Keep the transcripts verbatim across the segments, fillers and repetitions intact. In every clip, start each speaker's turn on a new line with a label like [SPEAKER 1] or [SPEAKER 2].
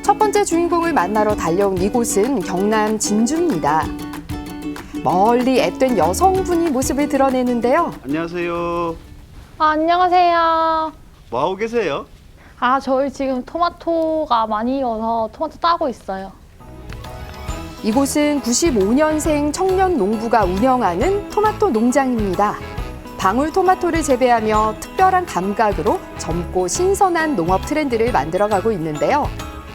[SPEAKER 1] 첫 번째 주인공을 만나러 달려온 이곳은 경남 진주입니다. 멀리 앳된 여성분이 모습을 드러내는데요.
[SPEAKER 2] 안녕하세요.
[SPEAKER 3] 아, 안녕하세요.
[SPEAKER 2] 뭐 하고 계세요?
[SPEAKER 3] 아, 저희 지금 토마토가 많이 익어서 토마토 따고 있어요.
[SPEAKER 1] 이곳은 구십오 년생 청년 농부가 운영하는 토마토 농장입니다. 방울토마토를 재배하며 특별한 감각으로 젊고 신선한 농업 트렌드를 만들어가고 있는데요.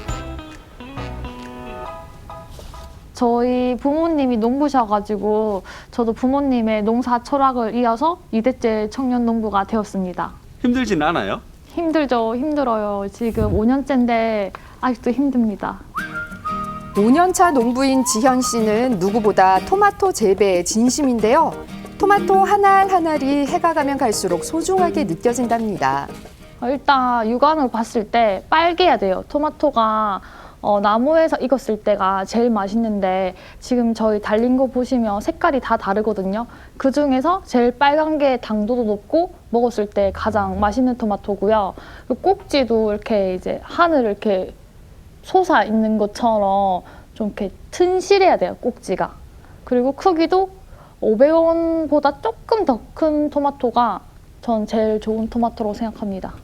[SPEAKER 3] 저희 부모님이 농부셔가지고 저도 부모님의 농사 철학을 이어서 이 대째 청년 농부가 되었습니다.
[SPEAKER 2] 힘들진 않아요?
[SPEAKER 3] 힘들죠, 힘들어요. 지금 오 년째인데 아직도 힘듭니다.
[SPEAKER 1] 오 년 차 농부인 지현 씨는 누구보다 토마토 재배에 진심인데요. 토마토 한 알 한 알이 해가 가면 갈수록 소중하게 느껴진답니다.
[SPEAKER 3] 어, 일단 육안으로 봤을 때 빨개야 돼요. 토마토가 어, 나무에서 익었을 때가 제일 맛있는데 지금 저희 달린 거 보시면 색깔이 다 다르거든요. 그중에서 제일 빨간 게 당도도 높고 먹었을 때 가장 맛있는 토마토고요. 그 꼭지도 이렇게 이제 하늘 이렇게 솟아 있는 것처럼 좀 이렇게 튼실해야 돼요, 꼭지가. 그리고 크기도 오백 원보다 조금 더 큰 토마토가 전 제일 좋은 토마토라고 생각합니다.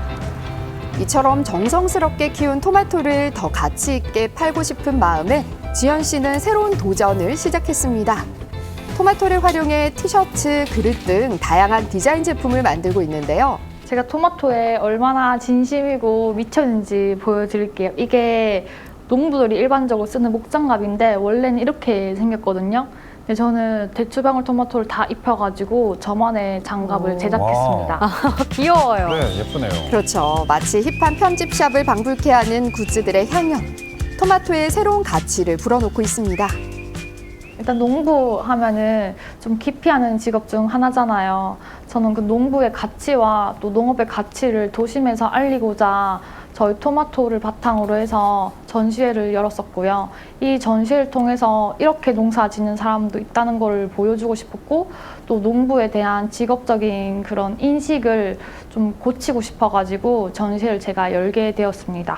[SPEAKER 1] 이처럼 정성스럽게 키운 토마토를 더 가치 있게 팔고 싶은 마음에 지현 씨는 새로운 도전을 시작했습니다. 토마토를 활용해 티셔츠, 그릇 등 다양한 디자인 제품을 만들고 있는데요.
[SPEAKER 3] 제가 토마토에 얼마나 진심이고 미쳤는지 보여드릴게요. 이게 농부들이 일반적으로 쓰는 목장갑인데 원래는 이렇게 생겼거든요. 근데 저는 대추방울 토마토를 다 입혀가지고 저만의 장갑을 제작했습니다.
[SPEAKER 4] 귀여워요. 네, 예쁘네요.
[SPEAKER 1] 그렇죠. 마치 힙한 편집샵을 방불케 하는 굿즈들의 향연. 토마토의 새로운 가치를 불어넣고 있습니다.
[SPEAKER 3] 일단 농부 하면은 좀 기피하는 직업 중 하나잖아요. 저는 그 농부의 가치와 또 농업의 가치를 도심에서 알리고자 저희 토마토를 바탕으로 해서 전시회를 열었었고요. 이 전시회를 통해서 이렇게 농사 짓는 사람도 있다는 걸 보여주고 싶었고 또 농부에 대한 직업적인 그런 인식을 좀 고치고 싶어가지고 전시회를 제가 열게 되었습니다.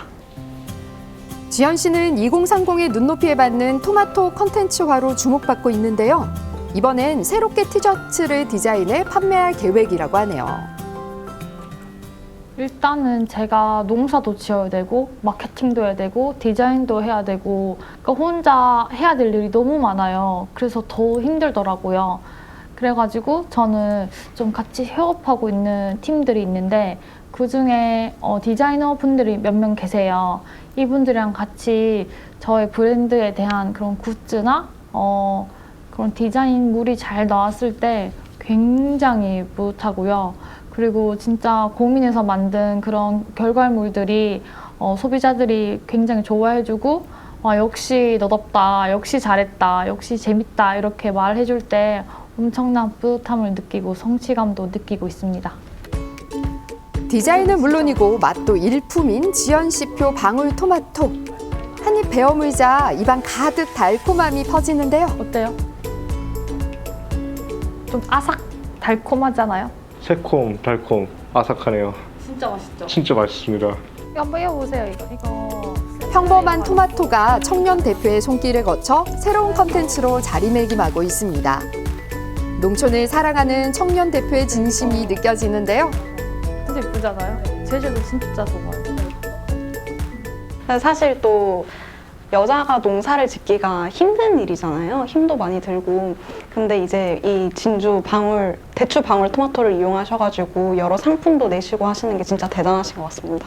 [SPEAKER 1] 지현 씨는 이공삼공의 눈높이에 받는 토마토 콘텐츠화로 주목받고 있는데요. 이번엔 새롭게 티셔츠를 디자인해 판매할 계획이라고 하네요.
[SPEAKER 3] 일단은 제가 농사도 지어야 되고 마케팅도 해야 되고 디자인도 해야 되고 그러니까 혼자 해야 될 일이 너무 많아요. 그래서 더 힘들더라고요. 그래가지고 저는 좀 같이 협업하고 있는 팀들이 있는데 그중에 어, 디자이너 분들이 몇 명 계세요. 이분들이랑 같이 저의 브랜드에 대한 그런 굿즈나 어, 그런 디자인물이 잘 나왔을 때 굉장히 뿌듯하고요. 그리고 진짜 고민해서 만든 그런 결과물들이 어, 소비자들이 굉장히 좋아해주고 와, 역시 너답다, 역시 잘했다, 역시 재밌다 이렇게 말해줄 때 엄청난 뿌듯함을 느끼고 성취감도 느끼고 있습니다.
[SPEAKER 1] 디자인은 물론이고 맛도 일품인 지현 씨표 방울토마토. 한입 베어 물자 입안 가득 달콤함이 퍼지는데요.
[SPEAKER 3] 어때요? 좀 아삭 달콤하잖아요?
[SPEAKER 5] 새콤, 달콤, 아삭하네요.
[SPEAKER 3] 진짜 맛있죠?
[SPEAKER 5] 진짜 맛있습니다.
[SPEAKER 3] 이거 한번 이어보세요, 이거. 이거.
[SPEAKER 1] 평범한 토마토가 청년 대표의 손길을 거쳐 새로운 컨텐츠로 자리매김하고 있습니다. 농촌을 사랑하는 청년 대표의 진심이 느껴지는데요.
[SPEAKER 3] 진짜 예쁘잖아요? 제주도 진짜 좋아요.
[SPEAKER 6] 사실 또 여자가 농사를 짓기가 힘든 일이잖아요. 힘도 많이 들고. 근데 이제 이 진주 방울, 대추 방울 토마토를 이용하셔가지고 여러 상품도 내시고 하시는 게 진짜 대단하신 것 같습니다.